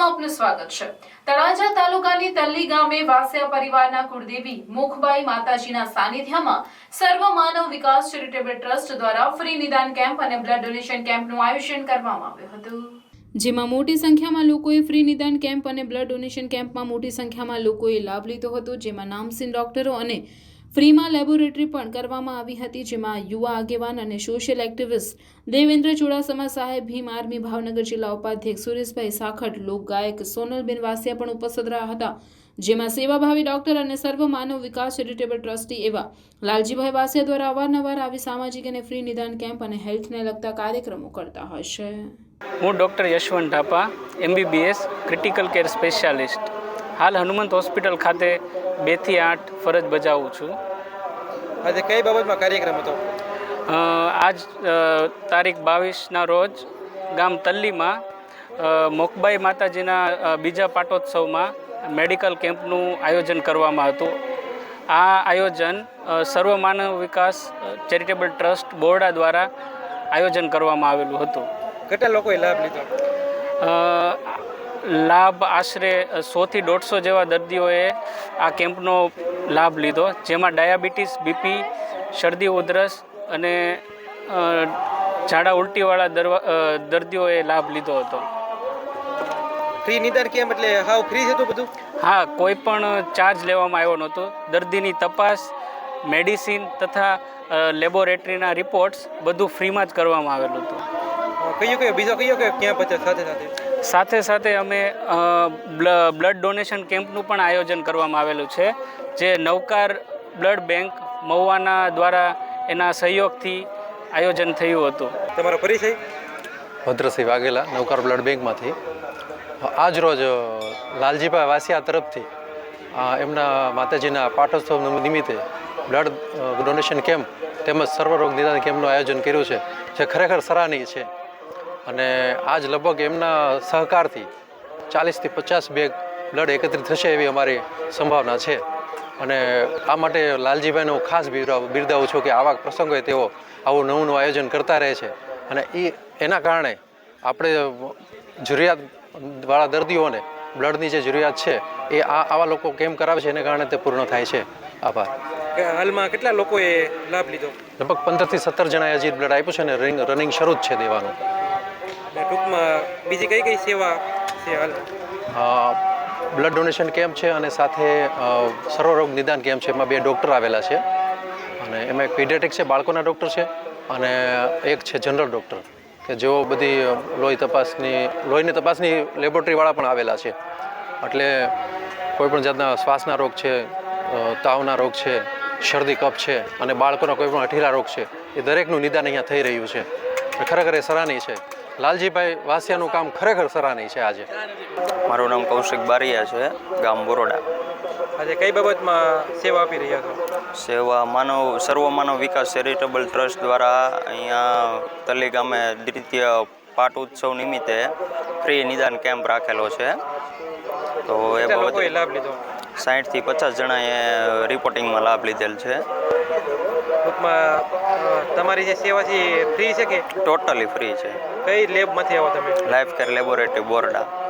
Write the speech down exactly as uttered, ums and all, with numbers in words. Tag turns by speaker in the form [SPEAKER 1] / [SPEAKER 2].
[SPEAKER 1] ન્યૂઝમાં આપનું સ્વાગત છે। તળાજા તાલુકાની તલ્લી ગામે વાસ્યા પરિવારના કુળદેવી મુખબાઈ માતાજીના સાનિધ્યમાં સર્વ માનવ વિકાસ ચેરિટેબલ ટ્રસ્ટ દ્વારા ફ્રી નિદાન કેમ્પ અને બ્લડ ડોનેશન કેમ્પનું આયોજન કરવામાં આવ્યું હતું, જેમાં મોટી સંખ્યામાં લોકોએ ફ્રી નિદાન કેમ્પ અને બ્લડ ડોનેશન કેમ્પમાં મોટી સંખ્યામાં લોકોએ લાભ લીધો હતો, જેમાં નામચીન ડોક્ટરો અને ફ્રીમાં લેબોરેટરી પણ કરવામાં આવી હતી, જેમાં યુવા આગેવાન અને સોશિયલ એક્ટિવિસ્ટ દેવેન્દ્ર ચુડાસમા સાહેબ, ભીમ આર્મી ભાવનગર જિલ્લા ઉપાધ્યક્ષ સુરેશભાઈ સાખટ, લોકગાયક સોનલબેન વાસિયા પણ ઉપસ્થિત રહ્યા હતા, જેમાં સેવાભાવી ડોક્ટર અને સર્વ માનવ વિકાસ ચેરિટેબલ ટ્રસ્ટી એવા લાલજીભાઈ વાસિયા દ્વારા અવારનવાર આવી સામાજિક અને ફ્રી નિદાન કેમ્પ અને હેલ્થને લગતા કાર્યક્રમો કરતા હોય છે।
[SPEAKER 2] હું doctor Yashwant Dhapa, MBBS critical care specialist, હાલ હનુમંત હોસ્પિટલ ખાતે બે થી આઠ ફરજ બજાવું છું।
[SPEAKER 3] આજે કઈ બાબતમાં કાર્યક્રમ હતો?
[SPEAKER 2] આજ તારીખ બાવીસના રોજ ગામ તલ્લીમાં મોખબાઈ માતાજીના બીજા પાટોત્સવમાં મેડિકલ કેમ્પનું આયોજન કરવામાં હતું। આ આયોજન સર્વ માનવ વિકાસ ચેરિટેબલ ટ્રસ્ટ બોરડા દ્વારા આયોજન કરવામાં આવેલું હતું।
[SPEAKER 3] કેટલા લોકોએ લાભ લીધો?
[SPEAKER 2] લાભ આશરે સોથી દોઢસો જેવા દર્દીઓએ આ કેમ્પનો લાભ લીધો, જેમાં ડાયાબિટીસ, બીપી, શરદી ઉધરસ અને ઝાડા ઉલટીવાળા દર્દીઓએ લાભ લીધો હતો।
[SPEAKER 3] ફ્રી નિદાન કેમ્પ એટલે હાવ ફ્રી હતું બધું?
[SPEAKER 2] હા, કોઈ પણ ચાર્જ લેવામાં આવ્યો નહોતો। દર્દીની તપાસ, મેડિસિન તથા લેબોરેટરીના રિપોર્ટ્સ બધું ફ્રીમાં જ કરવામાં આવેલું હતું।
[SPEAKER 3] કયો કયો બીજો કયો કયો કેમ્પ હતો સાથે સાથે?
[SPEAKER 2] સાથે સાથે અમે બ્લડ ડોનેશન કેમ્પનું પણ આયોજન કરવામાં આવેલું છે, જે નવકાર બ્લડ બેંક મહુવાના દ્વારા એના સહયોગથી આયોજન થયું હતું।
[SPEAKER 3] તમારો પરિચય?
[SPEAKER 4] ભદ્રસિંહ વાઘેલા, નવકાર બ્લડ બેંકમાંથી। આજ રોજ લાલજીભાઈ વાસિયા તરફથી એમના માતાજીના પાટોત્સવ નિમિત્તે બ્લડ ડોનેશન કેમ્પ તેમજ સર્વરોગ નિદાન કેમ્પનું આયોજન કર્યું છે, જે ખરેખર સરાહનીય છે। અને આજ લગભગ એમના સહકારથી ચાલીસથી પચાસ બેગ બ્લડ એકત્રિત થશે એવી અમારી સંભાવના છે। અને આ માટે લાલજીભાઈનું ખાસ બિરદાવું છું કે આવા પ્રસંગોએ તેઓ આવું નવું નવું આયોજન કરતા રહે છે, અને એ એના કારણે આપણે જરૂરિયાતવાળા દર્દીઓને બ્લડની જે જરૂરિયાત છે એ આ આવા લોકો કેમ્પ કરાવે છે, એને કારણે તે પૂર્ણ થાય છે। આભાર।
[SPEAKER 3] હાલમાં કેટલા લોકોએ લાભ લીધો?
[SPEAKER 4] લગભગ પંદરથી સત્તર જણાએ હજી બ્લડ આપ્યું છે અને રનિંગ રનિંગ શરૂ જ છે દેવાનું।
[SPEAKER 3] ટૂંકમાં બીજી કઈ કઈ સેવા છે હાલ?
[SPEAKER 4] બ્લડ ડોનેશન કેમ્પ છે અને સાથે સર્વરોગ નિદાન કેમ્પ છે, એમાં બે ડૉક્ટર આવેલા છે, અને એમાં એક પીડિયાટ્રિક છે, બાળકોના ડૉક્ટર છે, અને એક છે જનરલ ડૉક્ટર કે જેઓ બધી લોહી તપાસની લોહીની તપાસની લેબોરેટરીવાળા પણ આવેલા છે। એટલે કોઈપણ જાતના શ્વાસના રોગ છે, તાવના રોગ છે, શરદી કફ છે, અને બાળકોના કોઈ પણ અઠીલા રોગ છે, એ દરેકનું નિદાન અહીંયા થઈ રહ્યું છે। ખરેખર એ સરાહનીય છે। લાલજીભાઈ વાસિયાનું કામ ખરેખર સરાહનીય છે। આજે
[SPEAKER 5] મારું નામ કૌશિક બારિયા છે, ગામ બોરોડા।
[SPEAKER 3] આજે કઈ બાબતમાં સેવા આપી રહ્યા છો?
[SPEAKER 5] સેવા માનવ સર્વ માનવ વિકાસ ચેરિટેબલ ટ્રસ્ટ દ્વારા અહીંયા તલ્લી ગામે દ્વિતીય પાટ ઉત્સવ નિમિત્તે ફ્રી નિદાન કેમ્પ રાખેલો છે। તો એ
[SPEAKER 3] લોકોએ લાભ લીધો?
[SPEAKER 5] સાઠથી પચાસ જણાએ રિપોર્ટિંગમાં લાભ લીધેલ છે।
[SPEAKER 3] ટૂંકમાં તમારી જે સેવા છે એ ફ્રી છે કે?
[SPEAKER 5] ટોટલી ફ્રી છે।
[SPEAKER 3] કઈ લેબમાંથી આવો તમે?
[SPEAKER 5] Life care laboratory બોરડા।